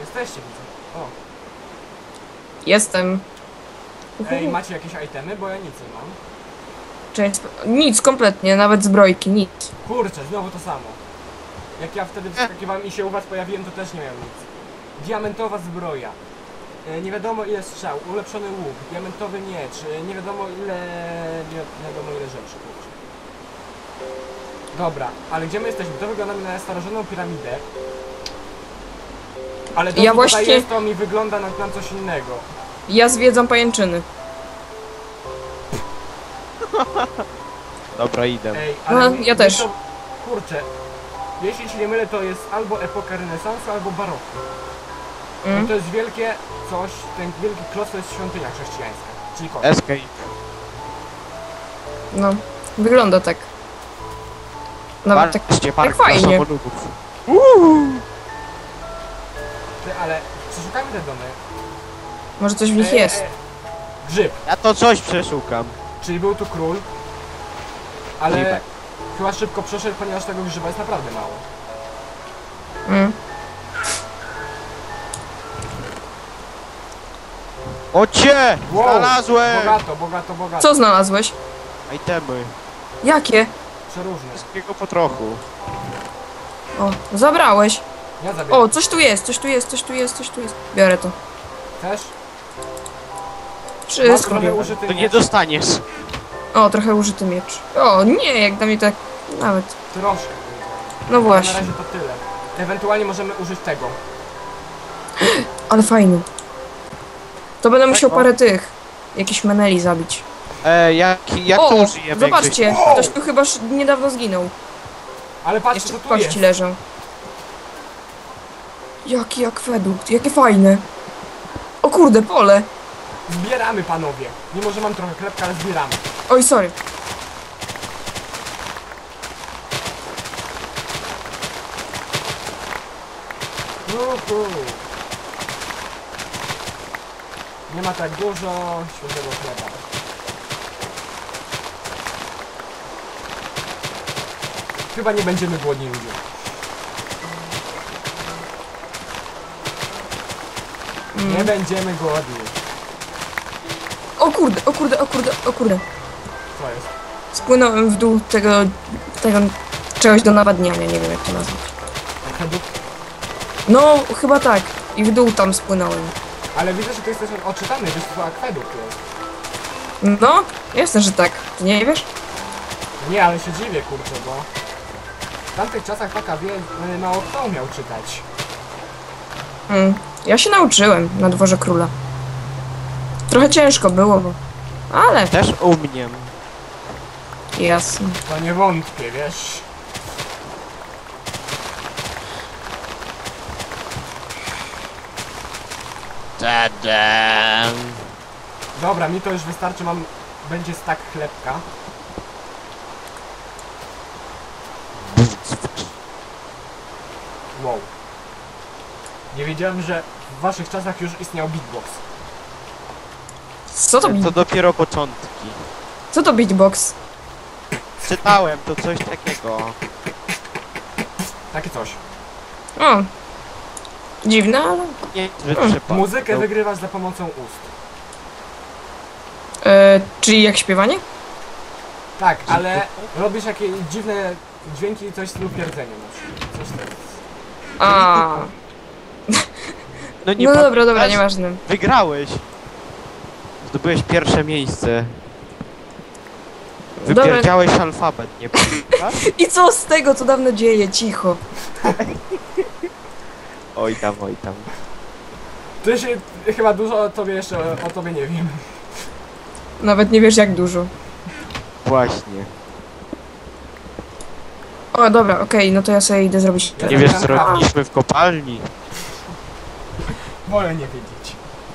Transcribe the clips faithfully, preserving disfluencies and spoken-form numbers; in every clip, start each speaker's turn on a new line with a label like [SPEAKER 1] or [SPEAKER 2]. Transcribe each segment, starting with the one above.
[SPEAKER 1] Jesteście, widzę. O.
[SPEAKER 2] Jestem.
[SPEAKER 1] Ej, macie jakieś itemy? Bo ja nic nie mam.
[SPEAKER 2] Cześć. Nic, kompletnie, nawet zbrojki, nic.
[SPEAKER 1] Kurczę, znowu to samo. Jak ja wtedy wskakiwałem i się u was pojawiłem, to też nie miałem nic. Diamentowa zbroja. E, nie wiadomo ile strzał, ulepszony łuk, diamentowy miecz, e, nie wiadomo ile... nie, nie wiadomo ile rzeczy, kurczę. Dobra, ale gdzie my jesteśmy? To wygląda mi na starożytną piramidę. Ale to,
[SPEAKER 2] Ja
[SPEAKER 1] co
[SPEAKER 2] właśnie-
[SPEAKER 1] tutaj jest, to mi wygląda na, na coś innego.
[SPEAKER 2] Ja zwiedzam pajęczyny.
[SPEAKER 3] Dobra, idę.
[SPEAKER 1] Ej,
[SPEAKER 2] No,
[SPEAKER 1] ale mi-
[SPEAKER 2] ja
[SPEAKER 1] mi
[SPEAKER 2] też.
[SPEAKER 1] To, kurczę, jeśli się nie mylę, to jest albo epoka renesansu, albo baroku. No
[SPEAKER 2] Mm.
[SPEAKER 1] to jest wielkie coś, ten wielki kloc to jest świątynia chrześcijańska, czyli kot.
[SPEAKER 3] Escape.
[SPEAKER 2] No, wygląda tak. Nawet tak,
[SPEAKER 3] Patrzcie,
[SPEAKER 2] tak
[SPEAKER 3] park dla
[SPEAKER 2] fajnie.
[SPEAKER 3] samolotów.
[SPEAKER 1] Ty, ale przeszukamy te domy.
[SPEAKER 2] Może coś w nich
[SPEAKER 1] E,
[SPEAKER 2] jest.
[SPEAKER 1] e, grzyb,
[SPEAKER 3] Ja to coś przeszukam.
[SPEAKER 1] czyli był tu król, ale
[SPEAKER 3] Grzybek.
[SPEAKER 1] chyba szybko przeszedł, ponieważ tego grzyba jest naprawdę mało.
[SPEAKER 2] Mm.
[SPEAKER 3] O cię!
[SPEAKER 1] Wow,
[SPEAKER 3] Znalazłem!
[SPEAKER 1] Bogato, bogato, bogato.
[SPEAKER 2] Co znalazłeś?
[SPEAKER 3] Itemy.
[SPEAKER 2] Jakie?
[SPEAKER 1] Przeróżne.
[SPEAKER 3] Wszystkiego po trochu.
[SPEAKER 2] O, zabrałeś.
[SPEAKER 1] Ja zabieram.
[SPEAKER 2] O, coś tu jest, coś tu jest, coś tu jest, coś tu jest. Biorę to.
[SPEAKER 1] Też? Masz
[SPEAKER 2] Wszystko
[SPEAKER 1] trochę
[SPEAKER 2] biorę.
[SPEAKER 1] użyty
[SPEAKER 3] To nie
[SPEAKER 1] miecz?
[SPEAKER 3] dostaniesz.
[SPEAKER 2] O, trochę użyty miecz. O, nie, jak dla mnie tak nawet.
[SPEAKER 1] Troszkę.
[SPEAKER 2] No
[SPEAKER 1] Na
[SPEAKER 2] właśnie,
[SPEAKER 1] razie to tyle. Ewentualnie możemy użyć tego.
[SPEAKER 2] ale fajny. To będę musiał
[SPEAKER 3] o.
[SPEAKER 2] parę tych, jakichś meneli zabić.
[SPEAKER 3] E, jak, jak to
[SPEAKER 2] O,
[SPEAKER 3] użyjemy?
[SPEAKER 2] zobaczcie,
[SPEAKER 3] Gdzieś-
[SPEAKER 1] O!
[SPEAKER 2] ktoś tu chyba sz- niedawno zginął.
[SPEAKER 1] Ale patrzcie,
[SPEAKER 2] Jeszcze
[SPEAKER 1] co tu jest.
[SPEAKER 2] kości leżą. Jaki akwedukt, jakie fajne. O kurde, pole.
[SPEAKER 1] Zbieramy, panowie. Mimo, że mam trochę chlebka, ale zbieramy.
[SPEAKER 2] Oj, sorry.
[SPEAKER 1] Uhu. Nie ma tak dużo świeżego chleba. Chyba nie będziemy głodni ludzie. Nie będziemy głodni.
[SPEAKER 2] O kurde, o kurde, o kurde, o kurde.
[SPEAKER 1] Co jest?
[SPEAKER 2] Spłynąłem w dół tego, tego czegoś do nawadniania, nie wiem jak to nazwać.
[SPEAKER 1] Akwedukt?
[SPEAKER 2] No, chyba tak. I w dół tam spłynąłem.
[SPEAKER 1] Ale widzę, że to jest też odczytany, wiesz, to akwedukt jest.
[SPEAKER 2] No, jasne, że tak. Ty nie wiesz?
[SPEAKER 1] Nie, ale się dziwię, kurczę, bo w tamtych czasach taka wie, mało kto umiał czytać.
[SPEAKER 2] Mm. Ja się nauczyłem na dworze króla. Trochę ciężko było, bo... Ale,
[SPEAKER 3] Też umiem.
[SPEAKER 2] jasne.
[SPEAKER 1] To nie wątpię, wiesz.
[SPEAKER 3] Tadam.
[SPEAKER 1] Dobra, mi to już wystarczy, mam... Będzie stak chlebka. Wow. Nie wiedziałem, że w waszych czasach już istniał beatbox.
[SPEAKER 2] Co to,
[SPEAKER 3] To
[SPEAKER 2] beat...
[SPEAKER 3] dopiero początki.
[SPEAKER 2] Co to beatbox?
[SPEAKER 3] Czytałem to coś takiego.
[SPEAKER 1] Takie coś.
[SPEAKER 2] O. Dziwne, ale...
[SPEAKER 3] Nie, że
[SPEAKER 2] Hmm.
[SPEAKER 3] przypadek.
[SPEAKER 1] Muzykę
[SPEAKER 3] No.
[SPEAKER 1] wygrywasz za pomocą ust.
[SPEAKER 2] E, czyli jak śpiewanie?
[SPEAKER 1] Tak, ale robisz jakieś dziwne dźwięki, coś w stylu pierdzenia na przykład. Coś tak.
[SPEAKER 2] A.
[SPEAKER 3] No nie
[SPEAKER 2] No dobra,
[SPEAKER 3] pamiętasz?
[SPEAKER 2] dobra, nieważne.
[SPEAKER 3] Wygrałeś. Zdobyłeś pierwsze miejsce.
[SPEAKER 2] Dobra.
[SPEAKER 3] Wypierdziałeś alfabet, nie pamiętasz?
[SPEAKER 2] I co z tego, co dawno dzieje? Cicho.
[SPEAKER 3] Oj tam, oj tam.
[SPEAKER 1] Ty się chyba dużo o tobie jeszcze o, o tobie nie wiem.
[SPEAKER 2] Nawet nie wiesz jak dużo.
[SPEAKER 3] Właśnie.
[SPEAKER 2] O, dobra, okej, no to ja sobie idę zrobić...
[SPEAKER 1] Ja
[SPEAKER 3] Nie wiesz co
[SPEAKER 1] zabieram
[SPEAKER 3] robiliśmy w kopalni?
[SPEAKER 1] Wolę nie wiedzieć.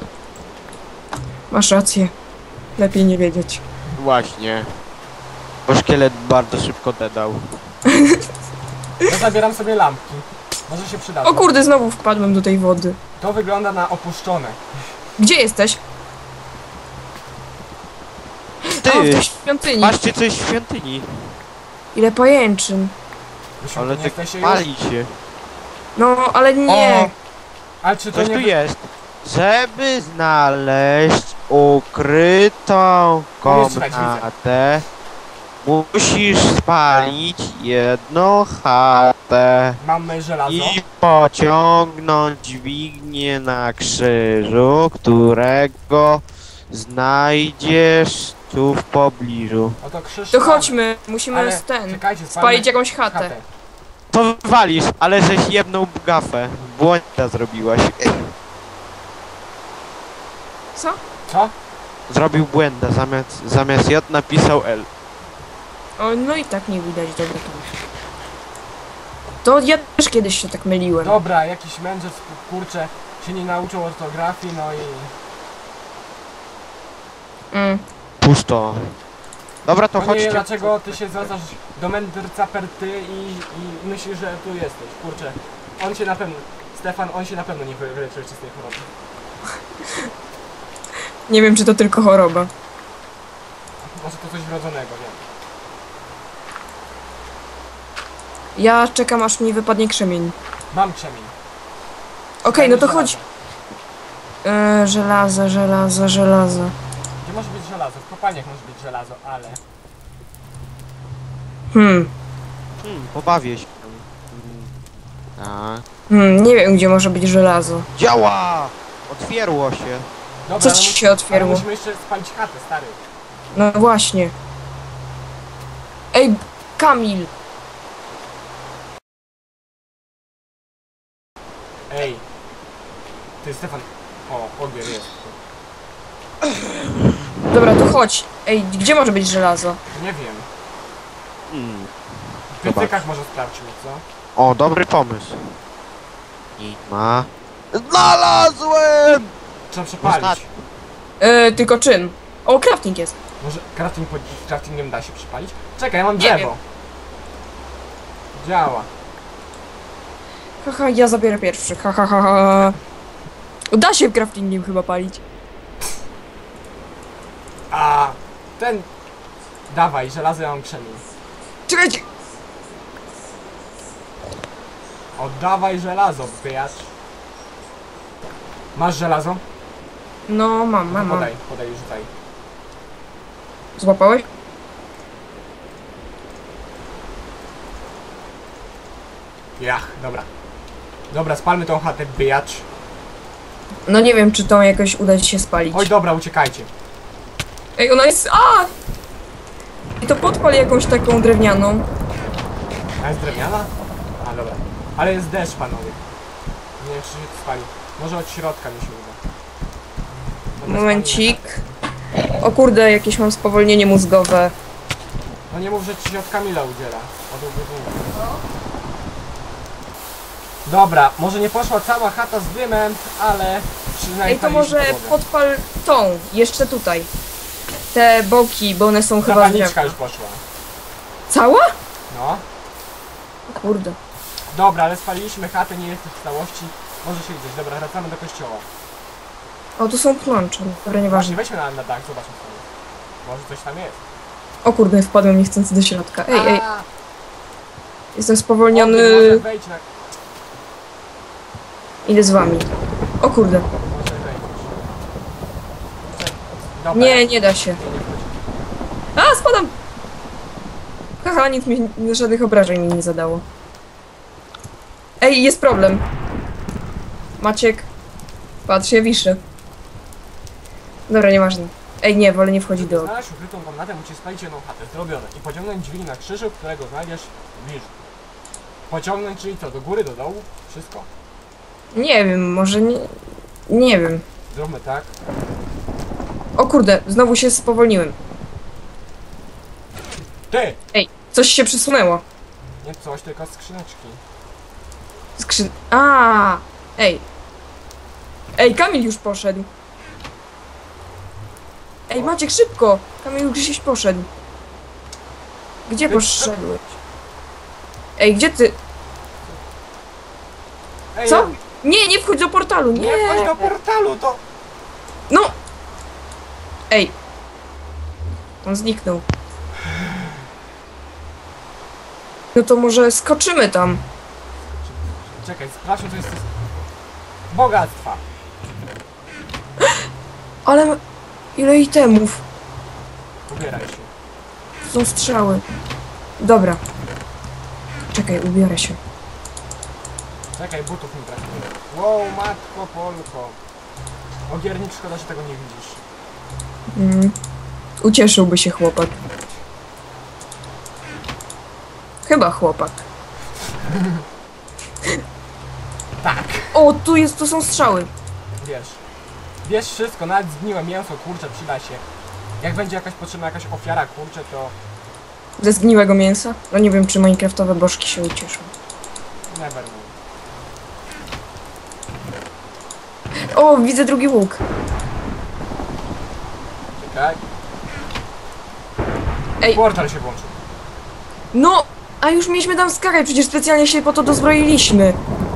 [SPEAKER 2] Masz rację. Lepiej nie wiedzieć.
[SPEAKER 3] Właśnie. Bo szkielet bardzo szybko dedał.
[SPEAKER 1] Ja zabieram sobie lampki. Może się przydadzą.
[SPEAKER 2] O kurde, znowu wpadłem do tej wody.
[SPEAKER 1] To wygląda na opuszczone.
[SPEAKER 2] Gdzie jesteś?
[SPEAKER 3] Ty!
[SPEAKER 2] A, w tej świątyni.
[SPEAKER 3] Patrzcie coś w świątyni.
[SPEAKER 2] Ile pajęczyn.
[SPEAKER 1] Wy
[SPEAKER 3] Ale
[SPEAKER 1] nie
[SPEAKER 3] tak
[SPEAKER 1] jesteście już?
[SPEAKER 3] pali się.
[SPEAKER 2] No, ale nie.
[SPEAKER 1] O! Ale czy to
[SPEAKER 3] Coś
[SPEAKER 1] nie...
[SPEAKER 3] tu jest. Żeby znaleźć ukrytą
[SPEAKER 1] Umiesz czytać, widzę.
[SPEAKER 3] komnatę, musisz spalić jedną chatę
[SPEAKER 1] Mamy żelazo.
[SPEAKER 3] i pociągnąć dźwignię na krzyżu, którego znajdziesz tu w pobliżu.
[SPEAKER 1] Oto krzyż
[SPEAKER 2] To
[SPEAKER 1] mamy.
[SPEAKER 2] chodźmy, musimy
[SPEAKER 1] Ale
[SPEAKER 2] z ten,
[SPEAKER 1] czekajcie, spalmy
[SPEAKER 2] spalić jakąś chatę.
[SPEAKER 1] chatę.
[SPEAKER 3] To walisz, ale żeś jedną gafę. Błęda zrobiłaś.
[SPEAKER 2] Co?
[SPEAKER 1] Co?
[SPEAKER 3] Zrobił błęda, zamiast, zamiast J napisał L.
[SPEAKER 2] O, no i tak nie widać, dobra to. To ja też kiedyś się tak myliłem.
[SPEAKER 1] Dobra, jakiś mędrzec, kurczę, się nie nauczył ortografii, no i...
[SPEAKER 2] Mm.
[SPEAKER 3] Pusto. Dobra, to
[SPEAKER 1] No nie
[SPEAKER 3] chodźcie.
[SPEAKER 1] wiem, dlaczego ty się zwracasz do mędrca per ty i, i myślisz, że tu jesteś, kurczę. On się na pewno... Stefan, on się na pewno nie wy- wyleczył jeszcze z tej choroby.
[SPEAKER 2] Nie wiem, czy to tylko choroba.
[SPEAKER 1] Może to coś wrodzonego, nie?
[SPEAKER 2] Ja czekam, aż mi wypadnie krzemień.
[SPEAKER 1] Mam krzemień.
[SPEAKER 2] Okej, no to
[SPEAKER 1] Żelazo.
[SPEAKER 2] chodź. Eee, żelazo, żelazo, żelazo.
[SPEAKER 1] Gdzie może być żelazo? W kopalniach może być żelazo, ale...
[SPEAKER 2] Hmm.
[SPEAKER 3] Hmm, pobawię się. Hmm. Tak.
[SPEAKER 2] Hmm, nie wiem, gdzie może być żelazo.
[SPEAKER 3] Działa! Otwierło się.
[SPEAKER 1] Dobra,
[SPEAKER 2] Co
[SPEAKER 1] ale
[SPEAKER 2] ci
[SPEAKER 1] mus-
[SPEAKER 2] się
[SPEAKER 1] ale
[SPEAKER 2] otwierło?
[SPEAKER 1] musimy jeszcze spalić chatę, stary.
[SPEAKER 2] No właśnie. Ej, Kamil!
[SPEAKER 1] Ej. Ty, Stefan. O, ogier jest.
[SPEAKER 2] Dobra, to chodź. Ej, gdzie może być żelazo?
[SPEAKER 1] Nie wiem.
[SPEAKER 3] Hmm.
[SPEAKER 1] W piętykach może sprawdźmy, co?
[SPEAKER 3] O, dobry pomysł. Nie ma. Znalazłem!
[SPEAKER 1] Trzeba przepalić.
[SPEAKER 3] Ostatni.
[SPEAKER 2] Eee, tylko czym? O, crafting jest.
[SPEAKER 1] Może crafting, po- craftingiem da się przypalić? Czekaj, ja mam
[SPEAKER 2] Nie
[SPEAKER 1] drzewo.
[SPEAKER 2] wiem.
[SPEAKER 1] Działa.
[SPEAKER 2] Haha, ja zabiorę pierwszy. Ha, ha, ha, ha. Da się craftingiem chyba palić.
[SPEAKER 1] A ten... Dawaj, żelazo ja mam krzemień.
[SPEAKER 2] Czekajcie!
[SPEAKER 1] Oddawaj żelazo, wyjacz. Masz żelazo?
[SPEAKER 2] No, mam, mam, mam.
[SPEAKER 1] Podaj, podaj, rzucaj.
[SPEAKER 2] Złapałeś?
[SPEAKER 1] Jach, dobra. Dobra, spalmy tą chatę, wyjacz.
[SPEAKER 2] No nie wiem, czy to jakoś uda ci się spalić.
[SPEAKER 1] Oj, dobra, uciekajcie.
[SPEAKER 2] Ej, ona jest... A! I to podpal jakąś taką drewnianą.
[SPEAKER 1] A jest drewniana? A, dobra. Ale jest deszcz, panowie. Nie wiem, czy się to spali. Może od środka mi się uda. Dobra,
[SPEAKER 2] Momencik.
[SPEAKER 1] spalmy chatę.
[SPEAKER 2] O kurde, jakieś mam spowolnienie mózgowe.
[SPEAKER 1] No nie mów, że ci się od Kamila udziela. Od ubiegłego. Dobra, może nie poszła cała chata z dymem, ale przynajmniej...
[SPEAKER 2] Ej, to może
[SPEAKER 1] podłogę.
[SPEAKER 2] podpal tą, jeszcze tutaj. Te boki, bo one są chyba
[SPEAKER 1] Zapalniczka
[SPEAKER 2] drewna.
[SPEAKER 1] już poszła.
[SPEAKER 2] Cała?
[SPEAKER 1] No.
[SPEAKER 2] O kurde.
[SPEAKER 1] Dobra, ale spaliliśmy chatę, nie jest w całości. Może się widzieć. Dobra, wracamy do kościoła.
[SPEAKER 2] O, tu są pnącze. Dobra,
[SPEAKER 1] Właśnie,
[SPEAKER 2] nieważne.
[SPEAKER 1] weźmy na, na dach, zobaczmy co jest. Może coś tam jest.
[SPEAKER 2] O kurde, wpadłem niechcący do środka. Ej, ej,
[SPEAKER 1] A,
[SPEAKER 2] jestem
[SPEAKER 1] o,
[SPEAKER 2] spowolniony.
[SPEAKER 1] ty może wejdź na...
[SPEAKER 2] Idę z wami. O kurde.
[SPEAKER 1] Może wejdziesz. Dobra.
[SPEAKER 2] Nie, nie da się.
[SPEAKER 1] Nie, nie wchodzi.
[SPEAKER 2] A, spadam! Haha, nic mi, żadnych obrażeń mi nie zadało. Ej, jest problem. Maciek. Patrz, ja wiszę. Dobra, nieważne. Ej, nie, wolę nie wchodzić do...
[SPEAKER 1] Znaleźć ukrytą komnatę, musisz spalić jedną chatę. Zrobione. I pociągnąć dźwignię na krzyżu, którego znajdziesz bliżej. Pociągnąć, czyli co? Do góry, do dołu? Wszystko?
[SPEAKER 2] Nie wiem, może nie... Nie wiem.
[SPEAKER 1] Zróbmy tak.
[SPEAKER 2] O kurde, znowu się spowolniłem.
[SPEAKER 1] Ty!
[SPEAKER 2] Ej, coś się przesunęło.
[SPEAKER 1] Nie coś, tylko skrzyneczki.
[SPEAKER 2] Skrzyn... A, Ej. Ej, Kamil już poszedł. Ej, Maciek, szybko! Kamil już gdzieś poszedł. Gdzie
[SPEAKER 1] Ej,
[SPEAKER 2] poszedłeś? Ej, gdzie ty?
[SPEAKER 1] Ej,
[SPEAKER 2] Co?
[SPEAKER 1] ja-
[SPEAKER 2] Nie, nie wchodź do portalu, nie!
[SPEAKER 1] Nie wchodź do portalu, to...
[SPEAKER 2] No! Ej. On zniknął. No to może skoczymy tam.
[SPEAKER 1] Czekaj, sprawdźmy co jest... Bogactwa.
[SPEAKER 2] Ale ma- ile itemów.
[SPEAKER 1] Ubieraj się.
[SPEAKER 2] Tu są strzały. Dobra. Czekaj, ubiorę się.
[SPEAKER 1] Czekaj, butów mi brakuje. Wow, matko Polko. Ogiernik, szkoda, że tego nie widzisz.
[SPEAKER 2] Mm. Ucieszyłby się chłopak. Chyba chłopak.
[SPEAKER 1] Tak.
[SPEAKER 2] O, tu jest, tu są strzały.
[SPEAKER 1] Wiesz. Wiesz wszystko, nawet zgniłe mięso, kurczę, przyda się. Jak będzie jakaś potrzebna jakaś ofiara, kurczę, to
[SPEAKER 2] Ze zgniłego mięsa? No nie wiem, czy minecraftowe bożki się ucieszą.
[SPEAKER 1] never know.
[SPEAKER 2] O, widzę drugi łuk.
[SPEAKER 1] Czekaj.
[SPEAKER 2] Ej.
[SPEAKER 1] Portal się włączył.
[SPEAKER 2] No, a już mieliśmy tam skakać, przecież specjalnie się po to dozbroiliśmy.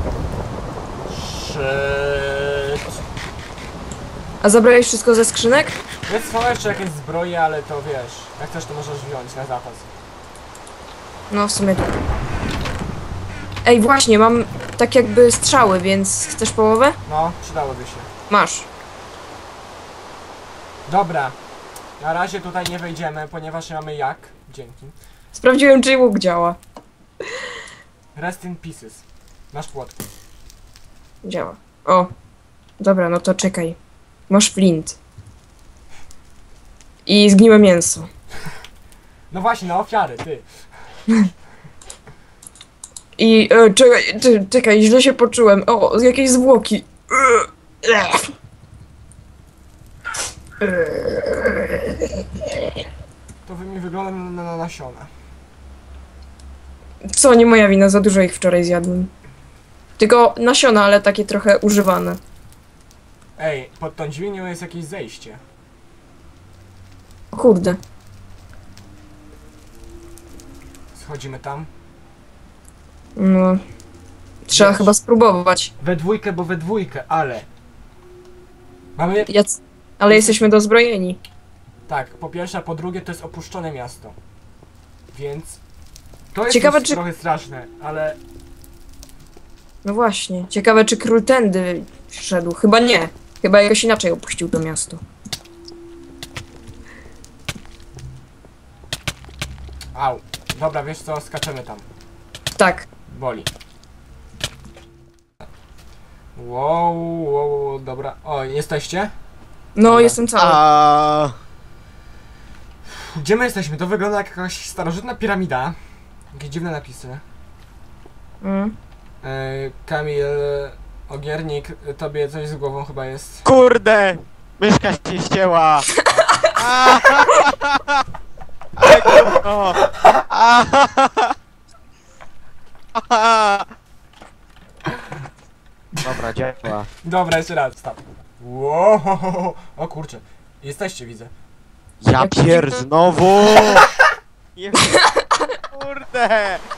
[SPEAKER 1] Shit.
[SPEAKER 2] A zabrałeś wszystko ze skrzynek?
[SPEAKER 1] Jest są jeszcze jakieś zbroje, ale to wiesz, jak chcesz to możesz wziąć na zapas.
[SPEAKER 2] No, w sumie tak. Ej, właśnie, mam tak jakby strzały, więc chcesz połowę?
[SPEAKER 1] No, przydałoby się.
[SPEAKER 2] Masz.
[SPEAKER 1] Dobra. Na razie tutaj nie wejdziemy, ponieważ nie mamy jak. Dzięki.
[SPEAKER 2] Sprawdziłem, czy łuk działa.
[SPEAKER 1] Rest in pieces. Masz płotki.
[SPEAKER 2] Działa. O. Dobra, no to czekaj. Masz flint. I zgniłe mięso.
[SPEAKER 1] No właśnie, na ofiary, ty.
[SPEAKER 2] I e, czekaj, ty, czekaj, źle się poczułem. O, jakieś zwłoki.
[SPEAKER 1] To wy mi wygląda na, na nasiona.
[SPEAKER 2] Co, nie moja wina, za dużo ich wczoraj zjadłem. Tylko nasiona, ale takie trochę używane.
[SPEAKER 1] Ej, pod tą dźwignią jest jakieś zejście.
[SPEAKER 2] O kurde.
[SPEAKER 1] Schodzimy tam.
[SPEAKER 2] No. Trzeba
[SPEAKER 1] Wiesz.
[SPEAKER 2] chyba spróbować.
[SPEAKER 1] We dwójkę, bo we dwójkę, ale... Mamy...
[SPEAKER 2] Jac... Ale jesteśmy dozbrojeni.
[SPEAKER 1] Tak, po pierwsze, a po drugie to jest opuszczone miasto. Więc... To jest
[SPEAKER 2] Ciekawe,
[SPEAKER 1] już
[SPEAKER 2] czy-
[SPEAKER 1] trochę straszne, ale...
[SPEAKER 2] No właśnie. Ciekawe, czy król tędy szedł. Chyba nie. Chyba jakoś inaczej opuścił to miasto.
[SPEAKER 1] Au. Dobra, wiesz co, skaczemy tam.
[SPEAKER 2] Tak.
[SPEAKER 1] Boli. Wow, wow, wow, dobra. O, jesteście?
[SPEAKER 2] No,
[SPEAKER 1] Dobra.
[SPEAKER 2] jestem cały.
[SPEAKER 3] A
[SPEAKER 1] Gdzie my jesteśmy? To wygląda jak jakaś starożytna piramida. Jakieś dziwne napisy.
[SPEAKER 2] Mm.
[SPEAKER 1] Yy, Kamil, Ogiernik, tobie coś z głową chyba jest.
[SPEAKER 3] kurde! Myszka się ścięła! A, Ale gówno! A, Dobra, działa.
[SPEAKER 1] Dobra, jeszcze raz, stop. Wow, o kurczę. Jesteście, widzę.
[SPEAKER 3] Ja pier znowu! Je- Kurde!